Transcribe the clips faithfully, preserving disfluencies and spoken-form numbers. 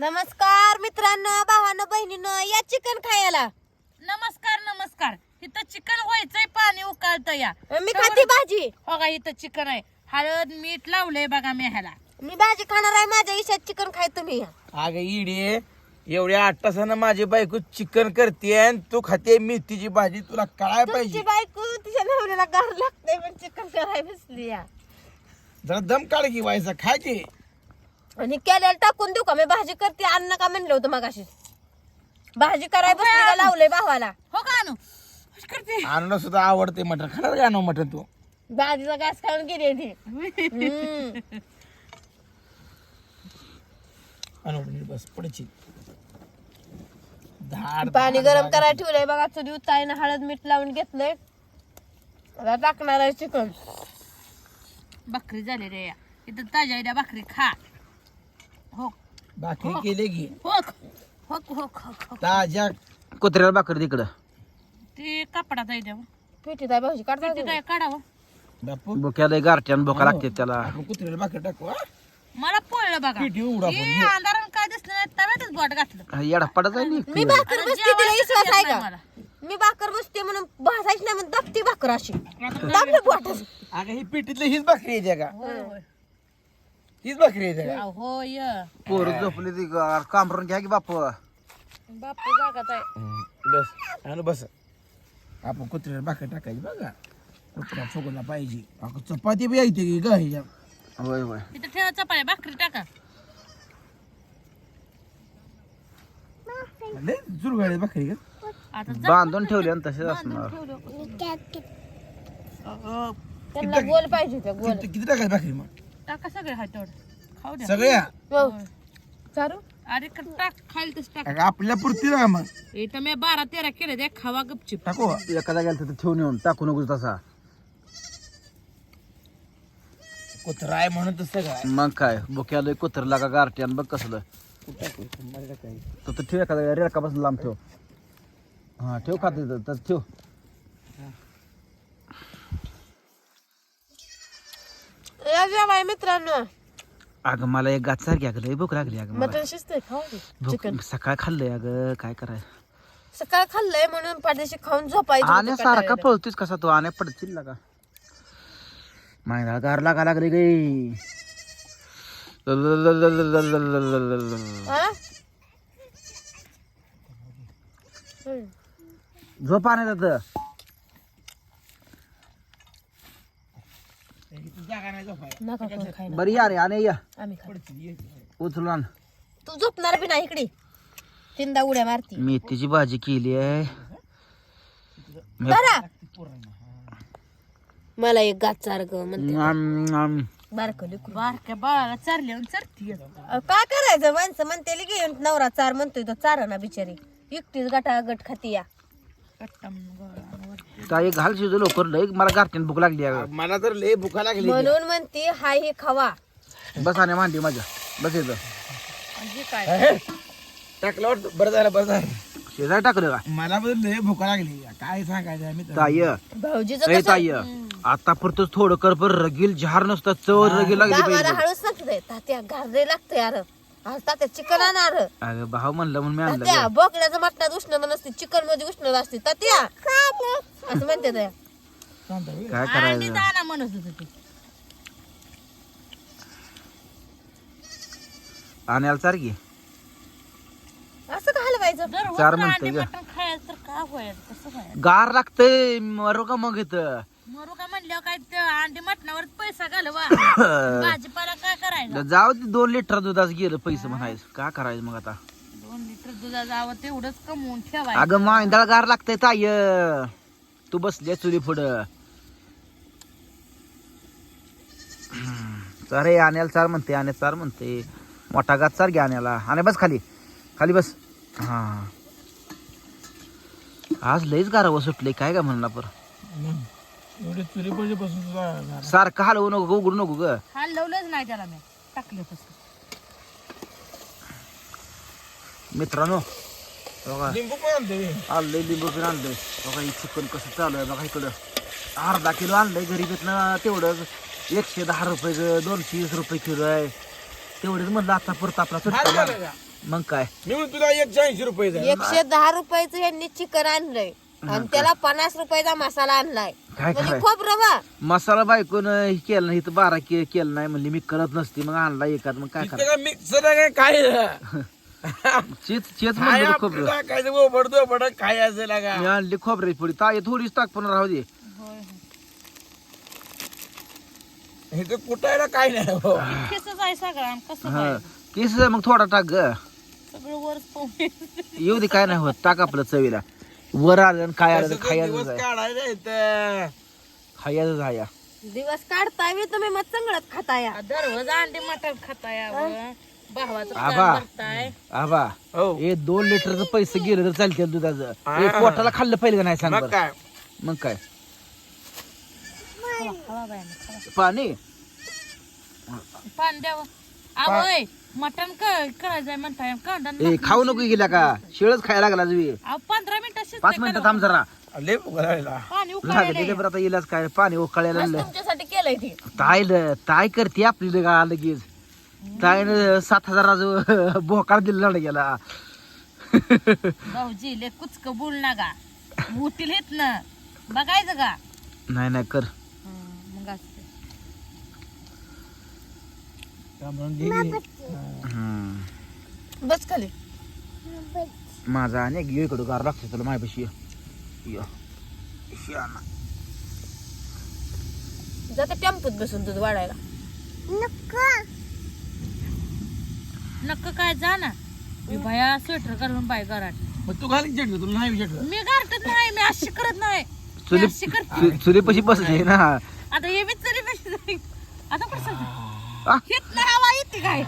नमस्कार मित्रांनो, भावांनो, बहिणींनो, या चिकन खायला. नमस्कार नमस्कार. इथं चिकन व्हायचंय, पाणी उकळतं या. मी खाते भाजी. हो का, इथं चिकन आहे. हळद मीठ लावलंय बघा मी ह्याला. मी भाजी खाणार आहे. माझ्या इशात चिकन खाय तुम्ही या. अगं इडे एवढ्या आठ तासानं माझी बायको चिकन करते आणि तू खाते मेथीची भाजी. तुला काय तुमची पाहिजे? बायको तिच्या नवऱ्याला गार लागते पण चिकन करायला बसली या. जरा दम काढ की व्हायचा खा की. आणि केल्याला टाकून देऊ का? मी भाजी करते. अन्न का म्हणलं होतं मगाशी? भाजी करायला बसली का लावलंय भावाला? हो का आणू करते. आणलं सुद्धा आवडते मटण. खाणार का आणू मटण तू? भाजीचा घास खाऊन गेली ती. हम्म. आणू बस पडची धाड पाणी गरम करायला ठेवलंय बघा. चुली ताईनं हळद मीठ लावून घेतलंय. आता टाकणार आहे चिकन. भाकरी झाली रे या. इथं ताज्या इथं भाकरी खा. हो भाकरी केली की हो हो हो हो. ताज्या कुत्र्याला भाकरी तिकडं. ते कपडात आहे त्या पिठी आहे भाऊजी काढता ते काय काढावं. बापू बोक्याला गारट्यान बोका लागते त्याला. आपण कुत्र्याला भाकरी टाकू हा? मला पोळलं बघा. पिठी उडा पण हे अंधारानं काय दिसलं नाही, तव्यातच बोट घातलं. येडापडा जाईल. मी भाकर बसते तिला विश्वास आहे का? मला. मी भाकर बसते म्हणून भासायची नाही म्हणून दाबती भाकर अशी दाबलं बोटच. अगं ही पिठीतली हीच भाकरी येते का? होय होय. हीच भाकरी येते का? अहो, होय पोर झोपली ती कामरून घ्या की बाप. बापू जागात आहे. हम्म, बस आणू बस. आपण कुत्र्याला भाकरी टाकायची बघा. कुत्रा फुगला पाहिजे. अगं चपाती बी येते की ग ह्याच्या. होय होय. इथं ठेवा चपाळ्या भाकरी टाका. लय जुरगाळी भाकरी का? आता जा. बांधून ठेवले आणि तसेच असणार. त्यांना गोल पाहिजे त्या गोल. किती किती टाकायची भाकरी मग? टाका सगळे हात तेवढं खाऊ द्या. सगळ्या हो. चारू अरे का टाक खाईल तस टाक. अगं आपल्या पुरती ना मग इथं मी बारा तेरा केले ते खावा गपचिप. टाकू एखादा गेला तर ठेवून येऊन टाकू नको तसा. कुत्रा आहे म्हणून तसं काय मग काय बोक्याला कुत्र लागा गारट्यान बघ कसलं. तर तो ठेव एखादा रेडकापासून लांब ठेव. हा ठेव खाते तर ठेव. या जेवाय मित्रांनो. अगं मला एक गाच सारखी अगं लय भूक लागली अगं मला. मटन शिजतंय खाऊ दे. भूक सकाळ खाल्लंय अगं काय करायचं. सकाळ खाल्लंय म्हणून पाठीशी खाऊन झोपायचं आणि होतं सारखा कंटाळलेलं. पळतोस कसा तू आण्या पडतील लागा. मायला गार लागा लागली गई. हा? हम्म. झोप आणत जागा नाही झोपायला. नका कोण खायला. बरी या रे आणि या आम्ही खाऊ. उचलून आण. तू झोपणार बी नाही इकडे. तीनदा उड्या मारती. मेथीची भाजी केली आहे. बरा मला एक गाच चार ग म्हणते. आम, आम. बारकं लेकरू. बारक्या बाळाला चारली आणि चरती. अ, काय करायचं माणसं म्हणते घेऊन नवरा चार म्हणतोय तो चार ना बिचारी एकटीच गटा गट खाती या. काय घाल शिजू लवकर लय मला गारट्यान भूक लागली अगं. मला तर लय भुका लागली. म्हणून म्हणते हाय हे खावा. बस आणि मांडी माझ्या बस येतं म्हणजे काय टाकलं वाटतं. बरं झालं बरं झालं. शेजारी टाकलं का मला पण लय भुका लागली. काय सांगायचं आम्ही तर. ताय भाऊजीचं ए कसं ताय आता पुरतच थोडं कर पर रगील झार नसतं चव रगील लागली गावाला पाहिजे. हळूच नसते तात्या घारले लागतं यार. आज तात्या चिकन आणणार. अगं भाऊ म्हणलं म्हणून मी आणलं तात्या गं. बोकड्याचं मटणात उष्णता नसते चिकन मध्ये उष्णता असते तात्या असं म्हणते त्या. काय अंडी करायचं. दाना म्हणत होत ते. आणायला सारखी असं का हलवायचं? जर होत चार ना म्हणतोय अंडी ग. मटण खायचं तर काय व्हायचं कसं व्हायचं. गार लागतंय मरू का मग इथं. मरू का म्हणल्यावर काय ते अंडी मटणावर पैसा घालवा. भाजीपाला काय करायचा. जाऊ दे दोन लिटर दुधाच गेलं पैसे म्हणायचं काय करायचं मग आता. दोन लिटर दुधा जावं तेवढंच कमवून ठेवायचं. अगं मांदळ गार लागतंय ताय. तू बसली चुली पुढं. अरे आण्याला चार म्हणते आण्या चार म्हणते मोठा गात चार घ्या आण्याला. आणि बस खाली खाली बस. हा आज लईच गारावं सुटले काय का म्हणला पर. एवढे चुरी पाहिजे बसून तुला सारखं हलवू नको उघडू नको ग. हलवलंच नाही त्याला मी टाकलं तसं. मित्रांनो बघा लिंबू पण आणते. आणलंय लिंबू पण आणलंय बघा. ही चिकन कसं चालू आहे बघा. इकडं अर्धा किलो आणलंय घरी भेटणं तेवढं एकशे दहा रुपये दोनशे वीस रुपये किलो आहे. तेवढेच म्हणलं आता परत आपला सुट्टा झालं मारा. का? मग काय मी म्हणतो तुला एकशे ऐंशी रुपये द्या. एकशे दहा रुपयाचं यांनी चिकन आणलंय आणि त्याला पन्नास रुपयाचा मसाला आणलाय काय म्हणजे कराय खोबरं बा मसाला बायकोन हे केलं नाही तर बारा के केलं नाही म्हणली मी करत नसते मग आणला एकात मग काय इतकं करा काय मिक्सर आहे काय चेच चेच काय म्हणलं आपलं खोबरं टाकायचं ओबडतो ओबड काय असेल का मी आणली खोबऱ्याची पोळी ताई थोडीच टाक पण राहू दे हे तर कुटायला काय नाही हो. खेसच आहे सगळा कसं हा काय केस मग थोडा टाक ग सगळं वरच पाहून येऊ दे काय नाही होत टाक आपलं चवीला वर आलं आणि काय आलं कसं तर तर खायचं दिवस आहे काढायला येतं. खायचं आहे दिवस काढताय मी तुम्ही मग चांगलंच खाताय दररोज अंडे मटण खाताय अहो. भावाचं काम आबा. करताय आबा हो हे दोन लिटरचं पैसे गेले तर चालते दुधाचं हा. हे पोटाला खाल्लं पाहिजे का नाही सांग मग बरं. काय मग काय खावा, खावा बायानं, खावा. पाणी पाणी द्यावं आवय मटण करायचंय म्हणताय कांदा ए खाऊ नको गेला का शिळच खायला लागला तुम्ही अहो पंधरा मिनिटं पाच मिनिटं थांब जरा लय उघडायला पाणी लागत उकळायला गेले बरं आता येलाच काय पाणी उकळायला बस लागलं. तुमच्यासाठी केलंय ते ताय ल- ताय करते आपली लगा लगेच ताईनं सात हजाराचं बोकार दिला गेला भाऊजी ले कुचक बोल ना गा उठील येत ना बघायचं का नाही नाही कर मग असं. हम्म. बस खाली माझा अनेक इकडं गार लागतो तुला माझ्यापाशी ये. शाना. जाते टेम्पोत बसून दूध वाढायला नक्क काय जा ना मी भया स्वेटर घालून बाय घरात मग तू घाली चटलं तुला नाही विचारलं मी गारटत नाही मी अशी करत नाही मी चुली अशी करते चु- चुलीपाशी बसले ना आता हे मी तरी पेक्षा जाईन. आता कसं आ? हित नाही हवा येते काय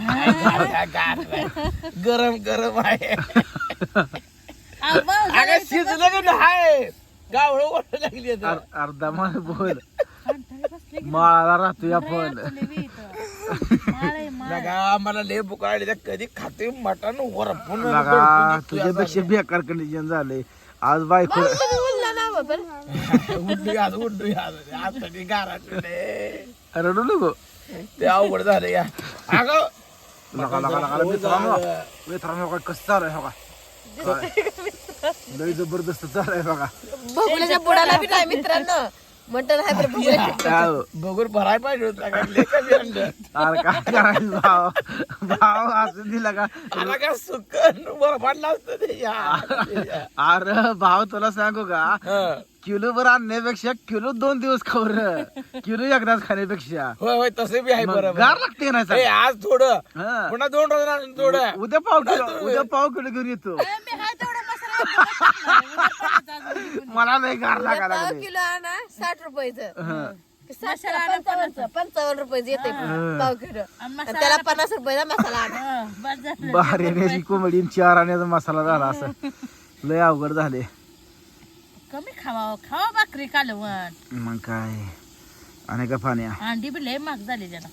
गरम गरम आहे अहो, भाऊ, अगं शिजलं का नाही गावळ ओढ लागली आता. अर- अर्धा मान बोल कंटाळी बसले की माळाला राहतोय नाही आपण आपले बी इथं. माळ आहे, माळ. लगा मला लय बुकाळली कधी खाते मटण वरपून लगा तुझ्यापेक्षा बेकार कंडिशन झाले आज बायको तुम्ही बोलला ना बाबा उड्डी आज उड्डी आज आज कधी गाराटले रडू नको ते अवघड झालं या अगं लगा लगा लगा मित्रांनो मित्रांनो काय कसं चालू आहे बघा लय जबरदस्त चालू आहे बघा भोगल्याच्या बुडाला बी नाही मित्रांनो मटण आहे बरं भोगल्याच्या. काय बघून भराय पाहिजे होता का लय कमी आणलं अरे काय करायचं भाव भाव असं दिला का आला का सुकन वर पडला असतं ते या. अरे भाव तुला सांगू का हं. किलो भर आणण्यापेक्षा किलो दोन दिवस खावर किलो एकदाच खाण्यापेक्षा होय होय तसे बी आहे मग बरोबर गार लागते ना ए, आज थोडं हा. पुन्हा दोन रोज आणून थोडं उद्या पाव किलो उद्या पाव किलो घेऊन येतो ए, मी हाय तेवढा मसाला उद्या करायचा अजून. मला नाही गार लागा पाव लागले किलो आणा साठ रुपयाचं हं. साठ पंचावन्न पंचावन्न रुपयाचं येते पाव किलो आणि आणि त्याला पन्नास रुपयाचा मसाला आणा हं, बस झालं. बाहेर येण्याची कोंबडी आणि चार आण्याचा मसाला झाला असं लय अवघड झाले कमी खावा खावा भाकरी कालवण मग काय आणि का पाण्या अंडी बी लय महाग झाली जरा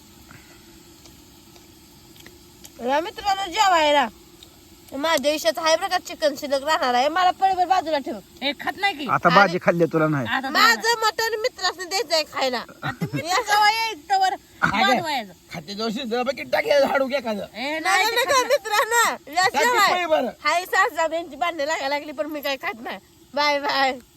या मित्रांनो जेवायला माझ्या देशात आहे बरं का चिकन शिल्लक राहणार आहे मला पळीवर बाजूला ठेव हे खात नाही की आता भाजी खाल्ली तुला नाही आता माझं मटण मित्रांनी द्यायचंय खायला जवळ यायचं तवर वाजवायचं. खाते दोषी जरा किती टाकायचं हाडू घ्या का ए, नाही नाही ते नका मित्रांनो या टाकी जेवाय पोळी बरं हाय सास यांची भांडणे लागायला लागली पण मी काय खात नाही बाय बाय